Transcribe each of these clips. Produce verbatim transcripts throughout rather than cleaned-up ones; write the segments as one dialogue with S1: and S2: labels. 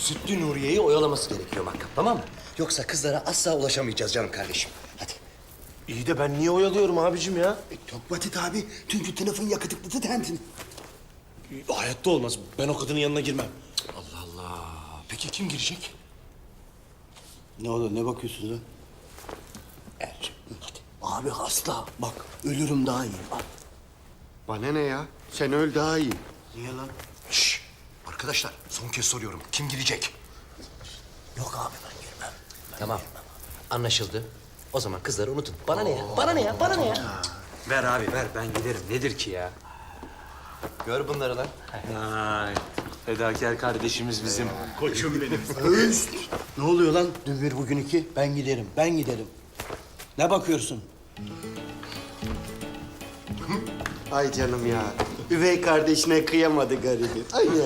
S1: Sütlü Nuriye'yi oyalaması gerekiyor Makkap, tamam mı? Yoksa kızlara asla ulaşamayacağız canım kardeşim. Hadi.
S2: İyi de ben niye oyalıyorum abicim ya?
S3: E, çok basit abi. Çünkü telefon yakıtıklısı tentin.
S2: Hayatta olmaz. Ben o kadının yanına girmem.
S1: Allah Allah. Peki kim girecek?
S3: Ne olur ne bakıyorsunuz lan?
S1: Ercim, hadi.
S3: Abi hasta. Bak ölürüm daha iyi. Bak.
S4: Bana ne ya? Sen öl daha iyi.
S3: Niye lan?
S1: Şşş! Arkadaşlar, son kez soruyorum. Kim girecek?
S3: Yok abi ben girmem.
S1: Tamam. Anlaşıldı. O zaman kızları unutun. Bana ne ya? Bana ne ya? Bana ne ya?
S5: Ver abi ver ben giderim. Nedir ki ya?
S1: Gör bunları lan.
S2: Ay, fedakar kardeşimiz bizim. Koçum benim.
S3: Öst! Ne oluyor lan? Dün bir bugün iki. Ben giderim. Ben giderim. Ne bakıyorsun?
S4: Ay canım ya. Üvey kardeşine kıyamadı garibi. Ay ya.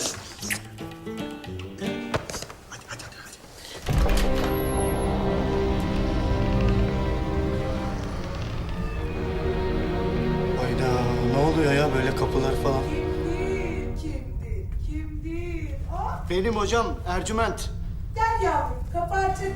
S3: Hayda ne oluyor ya böyle kapılar falan?
S6: Kimdir, kimdir, kimdir? Ah,
S3: Benim hocam Ercüment.
S6: gel yavrum, kapı açık.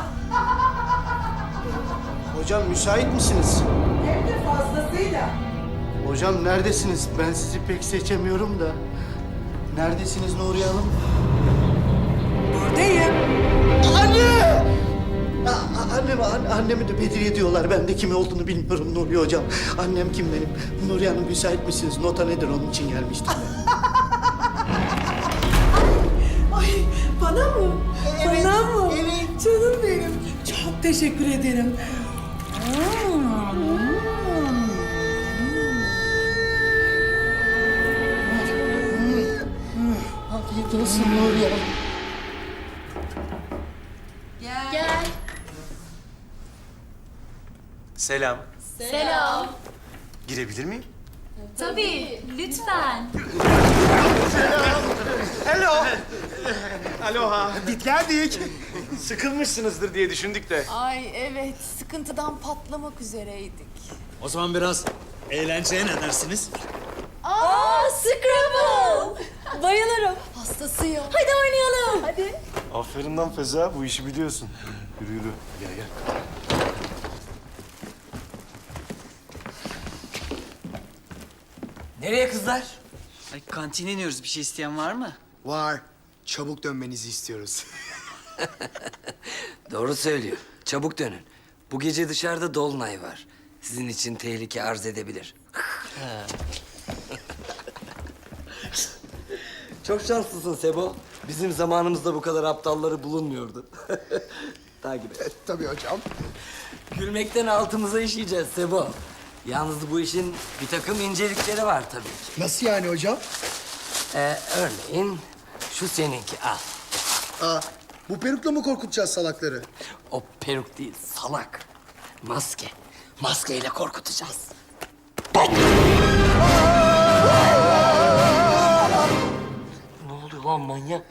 S3: Hocam müsait misiniz?
S6: Hem de fazlasıyla.
S3: Hocam neredesiniz? Ben sizi pek seçemiyorum da. Neredesiniz Nuriye Hanım?
S6: Buradayım.
S3: Anne! A- anneme, an- annemi de Bedriye diyorlar. Ben de kim olduğunu bilmiyorum Nuriye hocam. Annem kim benim? Nuriye Hanım müsait misiniz? Nota nedir onun için gelmiştim.
S6: Ay, bana mı?
S3: Evet,
S6: Bana mı?
S3: evet.
S6: Canım benim. Çok teşekkür ederim.
S3: Afiyet olsun Nuriye Hanım.
S7: Gel.
S2: Selam.
S7: Selam.
S2: Girebilir miyim?
S7: Tabii, lütfen.
S2: Aloha. Bit geldik. Sıkılmışsınızdır diye düşündük de.
S8: Ay evet, sıkıntıdan patlamak üzereydik.
S5: O zaman biraz eğlenceye ne dersiniz?
S7: Aa, Scrabble. Bayılırım.
S8: Hastasıyım.
S7: Hadi oynayalım. Hadi.
S2: Aferin lan Feza, bu işi biliyorsun. Yürü yürü. Gel gel.
S5: Nereye kızlar?
S9: Ay, kantine iniyoruz. Bir şey isteyen var mı?
S4: Var. Çabuk dönmenizi istiyoruz.
S5: Doğru söylüyor. Çabuk dönün. Bu gece dışarıda dolunay var. Sizin için tehlike arz edebilir. Çok şanslısın Sebo. Bizim zamanımızda bu kadar aptalları bulunmuyordu. Takip et.
S4: Tabii hocam.
S5: Gülmekten altımıza işeyeceğiz Sebo. Yalnız bu işin bir takım incelikleri var tabii ki.
S4: Nasıl yani hocam?
S5: Ee, örneğin şu seninki al.
S4: Aa, bu perukla mı korkutacağız salakları?
S5: O peruk değil salak. Maske. Maskeyle korkutacağız. Ne oluyor lan manyak?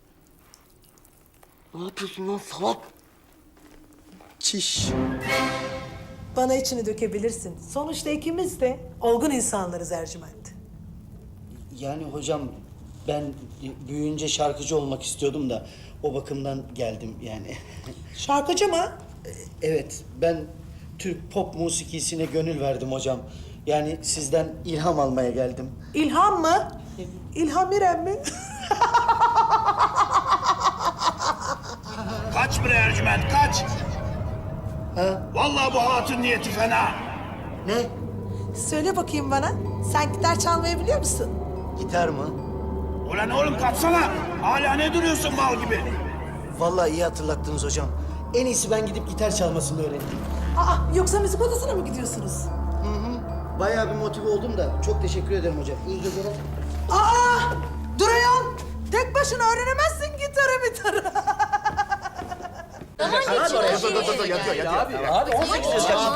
S5: Ne yapıyorsun lan salak?
S4: Çiş.
S6: Bana içini dökebilirsin. Sonuçta ikimiz de olgun insanlarız Ercüment.
S3: Yani hocam ben büyüyünce şarkıcı olmak istiyordum da o bakımdan geldim yani.
S6: Şarkıcı mı?
S3: Evet ben Türk pop musikisine gönül verdim hocam. Yani sizden ilham almaya geldim.
S6: İlham mı? İlham İrem mi?
S10: Kaç bre Ercüment kaç. Vallahi bu hatun niyeti fena.
S3: Ne?
S6: Söyle bakayım bana. Sen gitar çalmayı biliyor musun?
S3: Gitar mı?
S10: Ulan oğlum kaçsana. Hala ne duruyorsun mal gibi?
S3: Vallahi iyi hatırlattınız hocam. En iyisi ben gidip gitar çalmasını öğreneyim.
S6: Aa, yoksa müzik odasına mı gidiyorsunuz?
S3: Bayağı bir motive oldum da çok teşekkür ederim hocam. İyi geceler.
S6: Aa! Dur ayol! Tek başına öğrenemezsin gitarı mitarı.
S7: Daha geçiyor.
S4: Yatıyor yatıyor.
S5: Abi on sekiz yaşında.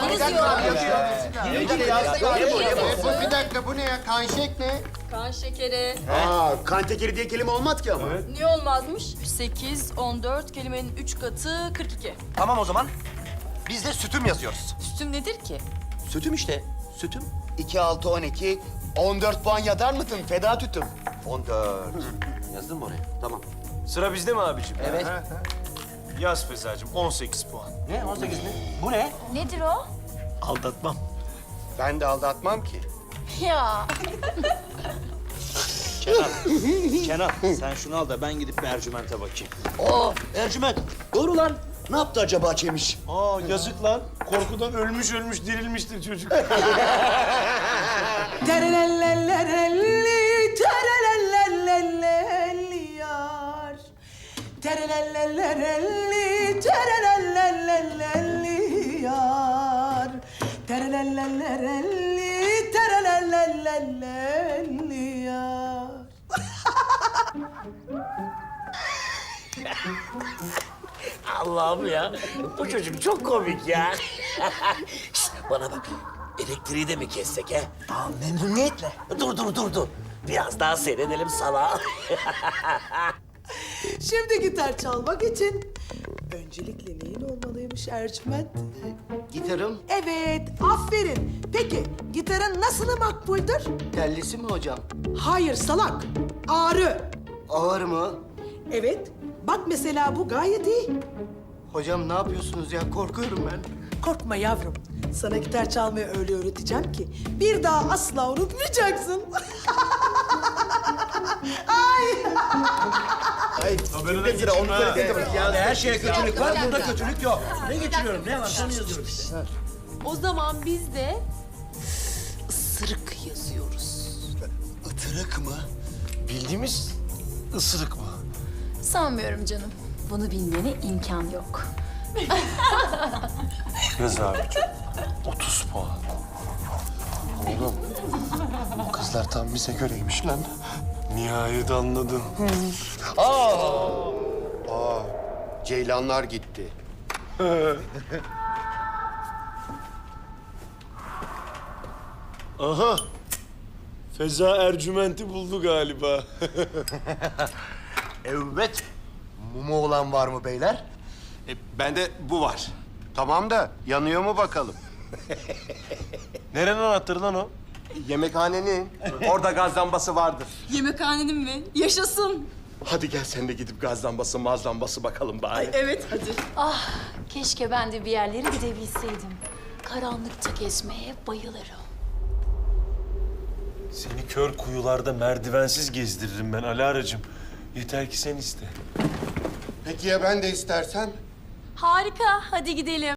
S4: Bir dakika bu ne ya? Kanşek ne?
S7: Kan şekeri.
S4: Aa, kan tekeri diye kelime olmaz ki ama.
S7: Niye olmazmış? sekiz, on dört, kelimenin üç katı kırk iki.
S1: Tamam o zaman. Biz de sütüm yazıyoruz.
S7: Sütüm nedir ki?
S1: Sütüm işte. Sütüm.
S4: iki, altı, on iki. on dört puan yazar mısın? Feda tütüm.
S1: on dört. Yazdın mı oraya? Tamam.
S2: Sıra bizde mi abicim?
S1: Evet.
S2: Yaz Fezacığım, on sekiz puan.
S1: Ne? on sekiz mi? Bu ne?
S8: Nedir o?
S3: Aldatmam.
S4: Ben de aldatmam ki.
S8: Ya.
S10: Kenan sen şunu al da ben gidip bir Ercüment'e bakayım.
S1: Aa, Ercüment. Doğru lan. Ne yaptı acaba Çemiş?
S2: Aa yazık lan. Korkudan ölmüş ölmüş dirilmiştir çocuk.
S6: Terelelelelelli, terelelelelelli yar. Terelelelelelli, terelelelelelli yar. Terelelelelelli, terelelelelelli yar.
S5: Allah'ım ya. Bu çocuk çok komik ya. Şişt, bana bak. Elektriği de mi kessek he?
S1: Aa, memnuniyetle.
S5: Dur dur dur dur. Biraz daha seyredelim sana.
S6: Şimdi gitar çalmak için öncelikle neyin olmalıymış Ercüment?
S3: Gitarım
S6: Evet, aferin. Peki, gitarın nasılı makbuldür?
S3: tellisi mi hocam?
S6: Hayır salak, ağrı.
S3: Ağır mı?
S6: Evet, bak mesela bu gayet iyi.
S3: Hocam ne yapıyorsunuz ya? Korkuyorum ben.
S6: Korkma yavrum. Sana gitar çalmayı öyle öğreteceğim ki bir daha asla unutmayacaksın. Ay!
S3: Ay, kimde sıra? Onu söyle.
S1: Ya her şeye kötülük var, burada kötülük yok. Ne getiriyorum, ne var? Şunu yazıyorum işte.
S8: O zaman biz de ısırık yazıyoruz.
S1: Itırık mı?
S2: Bildiğimiz ısırık mı?
S8: Sanmıyorum canım. Bunu bilmene imkan yok.
S2: Yaz abicim. otuz puan.
S11: Oğlum, bu kızlar tam bize göreymiş lan.
S2: Nihayet anladın.
S4: Aa, ceylanlar gitti.
S2: Aha. Feza Ercüment'i buldu galiba.
S1: Evet. Mumu olan var mı beyler?
S11: E, bende bu var.
S4: Tamam da yanıyor mu bakalım?
S2: Nerenin anahtarı lan o?
S11: Yemekhanenin. Orada gaz lambası vardır.
S7: Yemekhanenin mi? Yaşasın.
S11: Hadi gel sen de gidip gaz lambası, maz lambası bakalım bari.
S7: Evet hadi.
S8: Ah, keşke ben de bir yerlere gidebilseydim. Karanlıkta gezmeye bayılırım.
S2: Seni kör kuyularda merdivensiz gezdiririm ben Alara'cığım. Yeter ki sen iste.
S4: Peki ya ben de istersem?
S7: Harika. Hadi gidelim.